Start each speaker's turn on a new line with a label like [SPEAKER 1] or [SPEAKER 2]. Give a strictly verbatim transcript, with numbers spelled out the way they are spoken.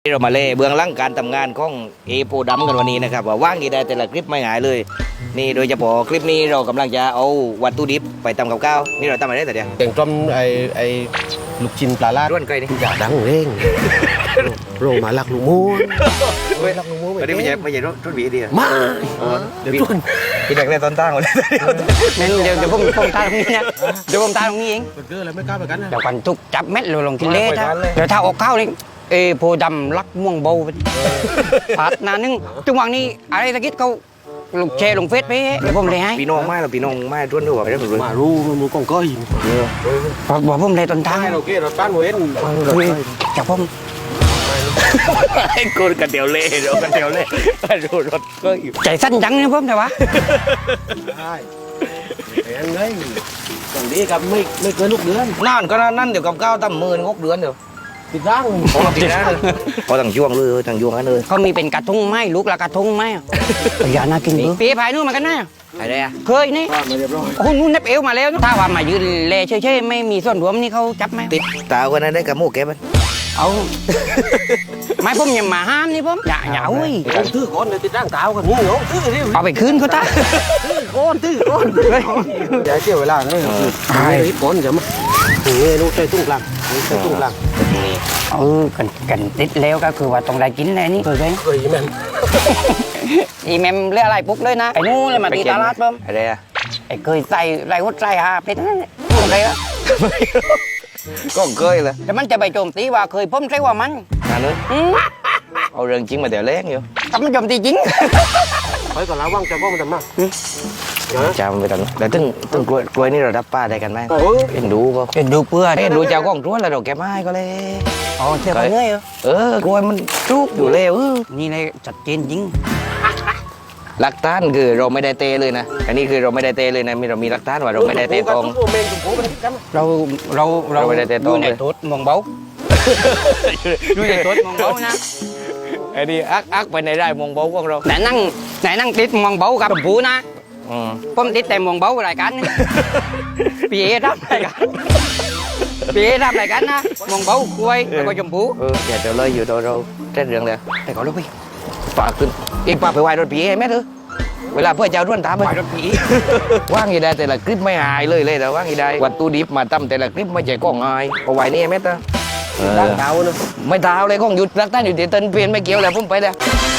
[SPEAKER 1] เรามาเล่เบื้องหลังการทำงานของเอโปดำกันวันนี้นะครับว่าว่างกี่ได้แต่ละคลิปไม่หายเลยนี่โดยเฉพาะคลิปนี้เรากำลังจะเอาวัตถุดิบไปทำกับข้าวนี่เราทำอะไรแต่เดียว
[SPEAKER 2] แกงต้มไอ้ไอ้ลูกชิ้นปลาลาด
[SPEAKER 1] ด้วนไก่นี่
[SPEAKER 2] อย่าดังเร่งโรมาลักลูกมูนลักลูกมูน
[SPEAKER 1] วันนี้ไม่ใช่ไม่ใช่รถรถบีดี
[SPEAKER 2] มาเดี๋ยวต้น
[SPEAKER 1] พี่เด็กเล่นตอนตั้งเลย
[SPEAKER 3] Nênเดี๋ยวเดี๋ยวผมผมตายตรงนี้นะเดี๋ยวผมตายตรงนี้เอง
[SPEAKER 2] เกิดอะไรไม่กล้าไปกันนะ
[SPEAKER 3] เดี๋ยวก่อนทุกจับเม็ดเลยลงที่เละถ้าเดี๋ยวถ้าออกข้าวนี่เอโพดำลักม่วงเบาไปผัดนานึงจังหวะนี้อะไรตะกี้เขาลงแชร์ลงเฟซไปเดี๋ยวผมเลยให้
[SPEAKER 1] พี่น้องไม่เราพี่น้องไม่ด้วนด้วยไม่ได้ผมรู้
[SPEAKER 2] มารู้มันกองก้อย
[SPEAKER 3] บอกบอกผมเลยตอนทาง
[SPEAKER 2] ให้เราเกเราตั้งเว้น
[SPEAKER 3] จับผม
[SPEAKER 1] ไอ้คนกันเดียวเล่เรากันเดียวเล่ดูรถก็อยู่
[SPEAKER 3] ใจสั้นจังเนี่ยผมแต่ว่า
[SPEAKER 2] ใช่แพงเลยอย่างนี้กับไม่ไม่เกินลูกเดือน
[SPEAKER 1] นั่นก็นั่นเดี๋ยวกับข้าวตั้มหมื่นหกเดือนเดี๋ยว
[SPEAKER 2] ติดร่าง
[SPEAKER 1] พอติดนะพอตั้งช่วงเลยตั้งช่วงนั้นเลย
[SPEAKER 3] เขามีเป็นกระทงไหมลูกละกระทงไหมอย่าน่ากินเบอร์ปีพายนู่นมันกันนะ
[SPEAKER 1] อะไรอะ
[SPEAKER 3] เคยนี่
[SPEAKER 2] มาเรียบร้อย
[SPEAKER 3] โอ้นู่นนับเอวมาแล้วถ้าว่ามายืนเล่เฉยๆไม่มีส่วนรวมนี่เขาจับไหม
[SPEAKER 1] ติดตาคนนั้นได้กับหมูแกมัน
[SPEAKER 3] เอาไม่ผมยังมาห้ามนี่ผมอย่าอย่าอุ้ย
[SPEAKER 2] ผมถือก้อนเลยติดร่างเท้ากันนี่เหรอถือดิ
[SPEAKER 3] เอาไปคืนเขาตา
[SPEAKER 2] ก้อนถือก้อนอย่าเสียเวลาเลยใช่ก้อนจะมาเงี้ยลูกใส่ตุ้งกลางใส่ตุ้งกลาง
[SPEAKER 3] เออกันกันติดแล้วก็คือว่าต้องได้กินเลยนี่เคยไหม
[SPEAKER 2] เคยแม่
[SPEAKER 3] อีแมมเรื่องอะไรปุ๊บเลยนะไอ้นู่นเลยมาตีตลาดผม
[SPEAKER 1] อะไรอะ
[SPEAKER 3] ไอ้เคยใส่ไรหัวใจฮะเป็นนั่นอะไรวะ
[SPEAKER 1] ก็เคยเลย
[SPEAKER 3] แต่มันจะไปโจมตีว่าเคยผมใช่ว่ามัน
[SPEAKER 1] นั่นเลย
[SPEAKER 3] อืม
[SPEAKER 1] เอาเรื่องจริงมาเดี๋ยวเล่งอยู่
[SPEAKER 3] แต่มันโจมตีจริง
[SPEAKER 2] ไปก่อนแล้วว่างจะก้องมันทำมา
[SPEAKER 1] จำไปตอนนั้นแต่ตึ้งตึ้งกล้วยกล้วยนี่เรารับป้าได้กันไหม
[SPEAKER 2] โอ้ย
[SPEAKER 1] เอ็นดูก็
[SPEAKER 3] เป็นดูเพื่อน
[SPEAKER 1] เอ็นดูเจ้าก้องท้วนแล้วเราแกไม่ก็เลย
[SPEAKER 3] อ๋อเชื่อเขาเงยเหรอ
[SPEAKER 1] เออกล้วยมันจุกอยู่เลยเออ
[SPEAKER 3] นี่เลยจัดเจนจริง
[SPEAKER 1] หลักฐานคือเราไม่ได้เตะเลยนะอันนี้คือเราไม่ได้เตะเลยนะมีเรามีหลักฐานว่าเราไม่ได้เตะตรง
[SPEAKER 2] เมนตุ้งโผล่ไปที่กัน
[SPEAKER 3] เราเราเรา
[SPEAKER 1] เราไม่ได้เตะตรง
[SPEAKER 3] อยู่ใน
[SPEAKER 1] เลย
[SPEAKER 3] ทุดมองเบาอยู่ในทุดมองเบานะ
[SPEAKER 1] ไอ้นี่อักอักไปในได้มองเบาของเรา
[SPEAKER 3] ไหนนั่งไหนนั่งติดมองเบากับชมพูนะ
[SPEAKER 1] อืม
[SPEAKER 3] ผมติดแต่มองเบารายการนี่ พี่เอทำรายการพี่เอทำรายการนะมองเบากล้วยแล้วก็ชมพู
[SPEAKER 1] เอออย่าเดี๋ยวเลยอยู่ตัวเราเต้นเรื่องเลยแต่ก่อนลูกพี่ฝากขึ้นอีกฝากไปไหว้รถผีให้แม่เถอะเวลาเพื่อจะเอาด้วนตามไป
[SPEAKER 3] ปล่อยรถผี
[SPEAKER 1] ว่างอีได้แต่ละคลิปไม่หายเลยเลยแต่ว่างอีได้วัตถุดิบมาทำแต่ละคลิปไม่ใช่กล้องหายเอาไว้นี่แม่เถอะ
[SPEAKER 2] ร่างเท้าเนอะ
[SPEAKER 1] ไม่เท้าเลยกล้องหยุดรักท่านอยู่ที่เต้นเปลี่ยนไม่เกี่ยวแล้วผมไปแล้ว
[SPEAKER 3] เ